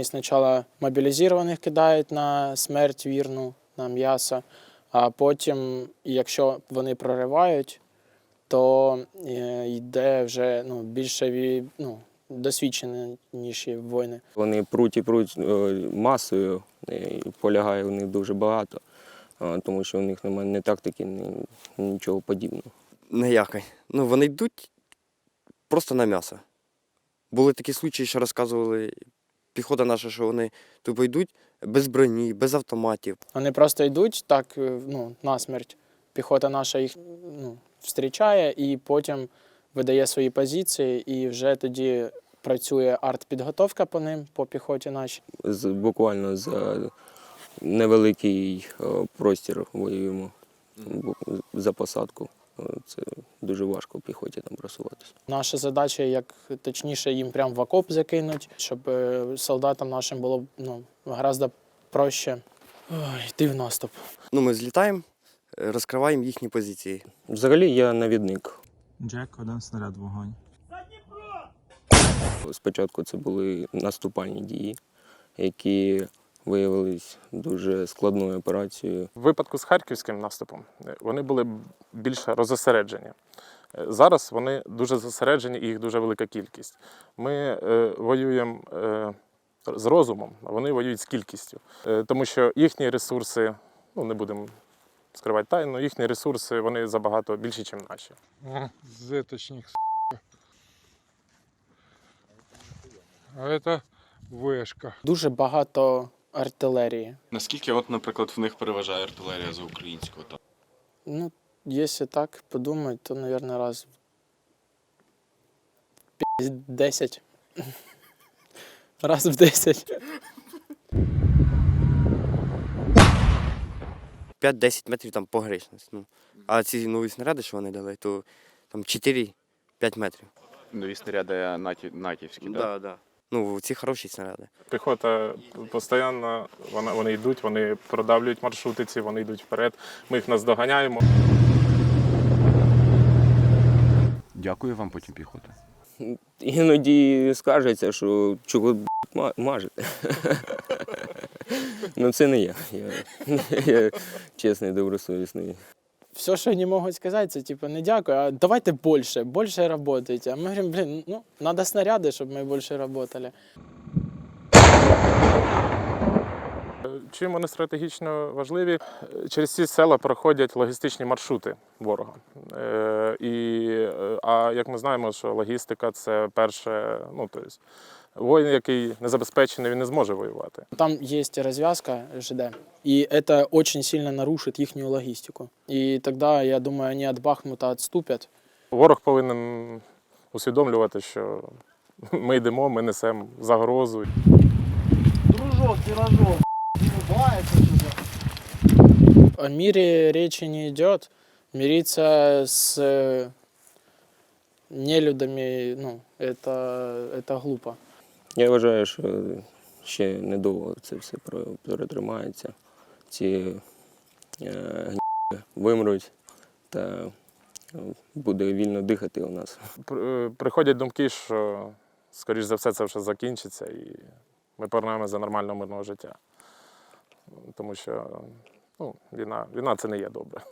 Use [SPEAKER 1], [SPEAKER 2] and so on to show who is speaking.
[SPEAKER 1] спочатку мобілізованих кидають на смерть вірну, на м'ясо, а потім, якщо вони проривають, то йде вже більше досвідченіші воїни.
[SPEAKER 2] Вони пруть і пруть масою, і полягає в них дуже багато, тому що у них немає ні тактики, ні нічого подібного.
[SPEAKER 3] Ніякої. Вони йдуть просто на м'ясо. Були такі случаї, що розказували піхота наша, що вони тупо йдуть без броні, без автоматів.
[SPEAKER 1] Вони просто йдуть так, насмерть. Піхота наша їх зустрічає і потім видає свої позиції, і вже тоді працює артпідготовка по ним, по піхоті нашій.
[SPEAKER 2] Буквально за невеликий простір воюємо за посадку. Це дуже важко піхоті там просуватися.
[SPEAKER 1] Наша задача, як точніше, їм прямо в окоп закинуть, щоб солдатам нашим було гораздо проще йти в наступ.
[SPEAKER 3] Ми злітаємо, розкриваємо їхні позиції.
[SPEAKER 2] Взагалі я навідник.
[SPEAKER 4] Джек, 1 снаряд, вогонь.
[SPEAKER 2] Спочатку це були наступальні дії, які виявились дуже складною операцією.
[SPEAKER 5] В випадку з харківським наступом вони були більш розосереджені. Зараз вони дуже зосереджені і їх дуже велика кількість. Ми воюємо з розумом, а вони воюють з кількістю. Тому що їхні ресурси, не будемо скривати тайну, їхні ресурси вони забагато більші, ніж наші.
[SPEAKER 6] Зеточник, сука. А це вишка.
[SPEAKER 1] Дуже багато артилерії.
[SPEAKER 7] Наскільки, наприклад, в них переважає артилерія за українську?
[SPEAKER 1] Якщо так подумати, то, мабуть, раз в 10. Раз в 10.
[SPEAKER 3] 5-10 метрів там погрешність. А ці нові снаряди, що вони дали, то там 4-5 метрів.
[SPEAKER 7] Нові снаряди натівські, так?
[SPEAKER 3] Так. Ці хороші снаряди.
[SPEAKER 5] Піхота постійно, вони йдуть, вони продавлюють маршрутиці, вони йдуть вперед, ми їх наздоганяємо.
[SPEAKER 8] Дякую вам потім піхота.
[SPEAKER 2] Іноді скажеться, що чого мажете. Це не я. Я чесний, добросовісний.
[SPEAKER 1] Все, що вони можуть сказати, це не дякую, а давайте більше працюйте. А ми говоримо, треба снаряди, щоб ми більше працювали.
[SPEAKER 5] Чим вони стратегічно важливі? Через ці села проходять логістичні маршрути ворога. А як ми знаємо, що логістика – це перше, воїн, який не забезпечений, він не зможе воювати.
[SPEAKER 1] Там є розв'язка ЖД, і це дуже сильно нарушить їхню логістику. І тоді, я думаю, вони від Бахмута відступлять.
[SPEAKER 5] Ворог повинен усвідомлювати, що ми йдемо, ми несемо загрозу.
[SPEAKER 9] Дружок, пирожок, улыбается сюда.
[SPEAKER 1] О мире речи не идет. Мириться с нелюдами, это глупо.
[SPEAKER 2] Я вважаю, що ще недовго це все перетримається. Ці гніди вимруть та буде вільно дихати у нас.
[SPEAKER 5] Приходять думки, що, скоріш за все, це вже закінчиться і ми повернемося до нормального мирного життя. Тому що війна – це не є добре.